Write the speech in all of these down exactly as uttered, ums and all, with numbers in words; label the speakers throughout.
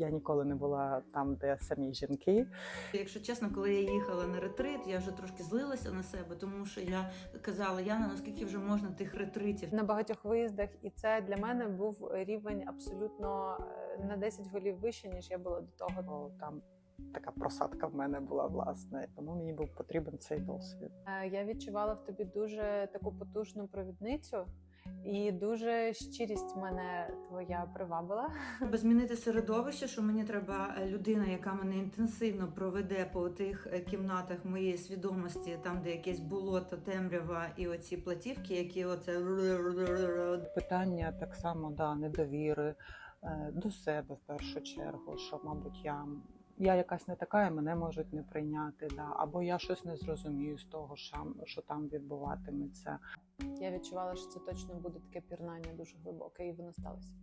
Speaker 1: Я ніколи не була там, де самі жінки.
Speaker 2: Якщо чесно, коли я їхала на ретрит, я вже трошки злилася на себе, тому що я казала: Яна, наскільки вже можна тих ретритів?
Speaker 3: На багатьох виїздах, і це для мене був рівень абсолютно е, на десять голів вище, ніж я була до того.
Speaker 1: Бо там така просадка в мене була, власне, тому мені був потрібен цей досвід.
Speaker 3: Е, Я відчувала в тобі дуже таку потужну провідницю, і дуже щирість мене твоя привабила.
Speaker 2: Треба змінити середовище, що мені треба людина, яка мене інтенсивно проведе по тих кімнатах моєї свідомості, там, де якесь болото, темрява і оці платівки, які оце...
Speaker 1: Питання так само, да, недовіри е, до себе в першу чергу, що, мабуть, я, я якась не така, і мене можуть не прийняти, да, або я щось не зрозумію з того, що, що там відбуватиметься.
Speaker 3: Я відчувала, що це точно буде таке пірнання дуже глибоке, і воно сталося.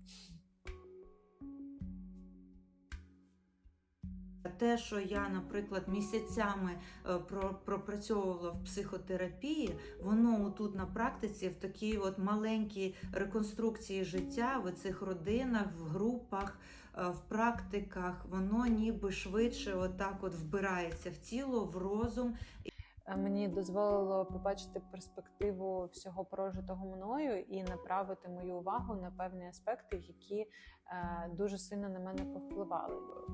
Speaker 2: Те, що я, наприклад, місяцями про- пропрацьовувала в психотерапії, воно тут на практиці в такій от маленькій реконструкції життя, в цих родинах, в групах, в практиках, воно ніби швидше отак от вбирається в тіло, в розум.
Speaker 3: Мені дозволило побачити перспективу всього прожитого мною і направити мою увагу на певні аспекти, які е, дуже сильно на мене повпливали.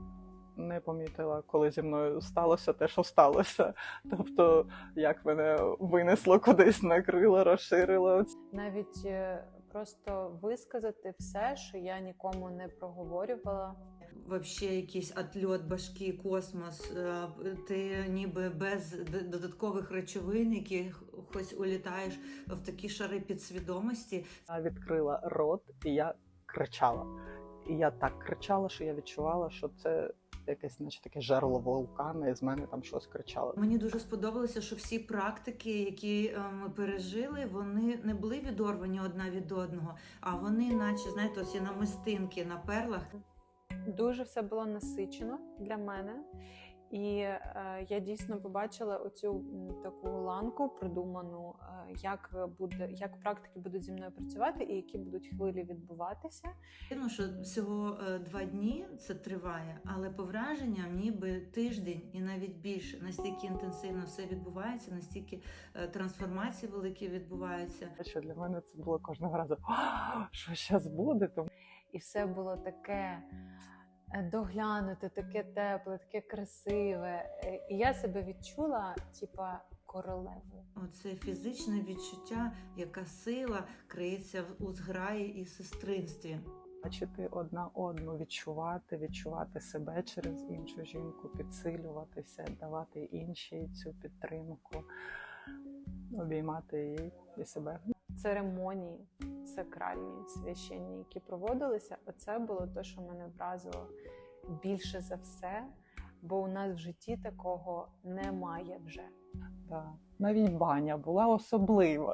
Speaker 1: Не помітила, коли зі мною сталося те, що сталося. Тобто, як мене винесло кудись, накрило, розширило.
Speaker 3: Навіть е, просто висказати все, що я нікому не проговорювала.
Speaker 2: Вообще якийсь отльот башки, космос, е, ти ніби без д- додаткових речовин, якихось улітаєш в такі шари підсвідомості.
Speaker 1: Я відкрила рот, і я кричала. І я так кричала, що я відчувала, що це якесь, наче таке жерло вулкана, і з мене там щось кричало.
Speaker 2: Мені дуже сподобалося, що всі практики, які е, ми пережили, вони не були відорвані одна від одного, а вони, наче, знаєте, оці намистинки на перлах.
Speaker 3: Дуже все було насичено для мене. І е, я дійсно побачила оцю м, таку ланку продуману, е, як буде, як практики будуть зі мною працювати і які будуть хвилі відбуватися.
Speaker 2: Ну, що всього е, два дні це триває, але по враженням ніби тиждень і навіть більше. Настільки інтенсивно все відбувається, настільки е, трансформації великі відбуваються.
Speaker 1: Що для мене це було кожного разу, «А, що зараз буде? Тому
Speaker 3: І все було таке е, доглянуте, таке тепле, таке красиве. Е, І я себе відчула, типа, королевою.
Speaker 2: Оце фізичне відчуття, яка сила криється в- у зграї і сестринстві.
Speaker 1: бачити одна одну, відчувати, відчувати себе через іншу жінку, підсилюватися, давати іншій цю підтримку, обіймати її і себе.
Speaker 3: Церемонії сакральні, священні, які проводилися, оце було те, що мене вразило більше за все, бо у нас в житті такого немає вже.
Speaker 1: Да. Навіть баня була особлива.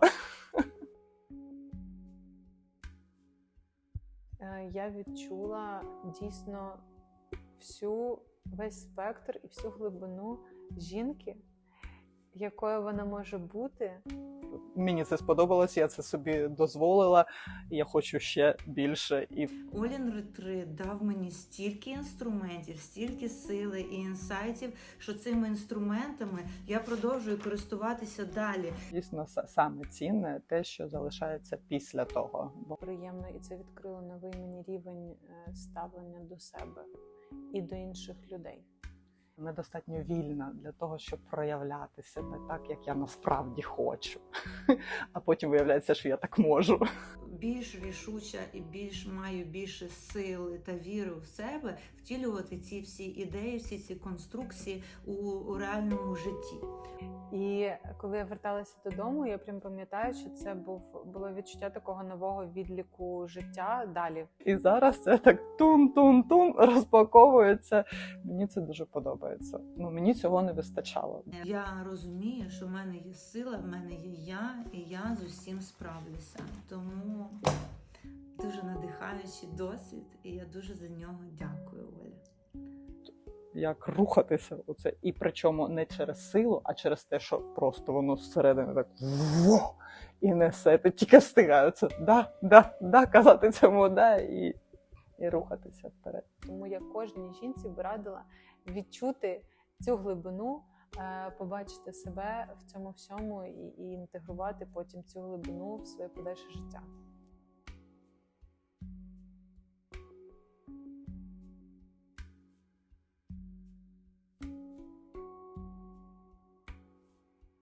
Speaker 3: Е, Я відчула дійсно всю, весь спектр і всю глибину жінки, якою вона може бути.
Speaker 1: Мені це сподобалось, я це собі дозволила, і я хочу ще більше. І
Speaker 2: Олін ретрит дав мені стільки інструментів, стільки сили і інсайтів, що цими інструментами я продовжую користуватися далі.
Speaker 1: дійсно са- саме цінне те, що залишається після того. Бо
Speaker 3: Приємно, і це відкрило новий мені рівень е, ставлення до себе і до інших людей.
Speaker 1: недостатньо вільна для того, щоб проявляти себе так, як я насправді хочу. А потім виявляється, що я так можу.
Speaker 2: Більш рішуча і більш маю більше сили та віри в себе втілювати ці всі ідеї, всі ці конструкції у, у реальному житті.
Speaker 3: І коли я верталася додому, я прям пам'ятаю, що це був було відчуття такого нового відліку життя далі.
Speaker 1: І зараз це так тун-тун-тун розпаковується. Мені це дуже подобається. Ну, мені цього не вистачало.
Speaker 2: Я розумію, що в мене є сила, в мене є я, і я з усім справлюся. Тому дуже надихаючий досвід, і я дуже за нього дякую, Оля.
Speaker 1: Як рухатися у це, і причому не через силу, а через те, що просто воно зсередини так во, і несе, ти тільки встигається, да, да, да, казати цьому, да, і, і рухатися вперед.
Speaker 3: Тому я кожній жінці б радила відчути цю глибину, е, побачити себе в цьому всьому і, і інтегрувати потім цю глибину в своє подальше життя.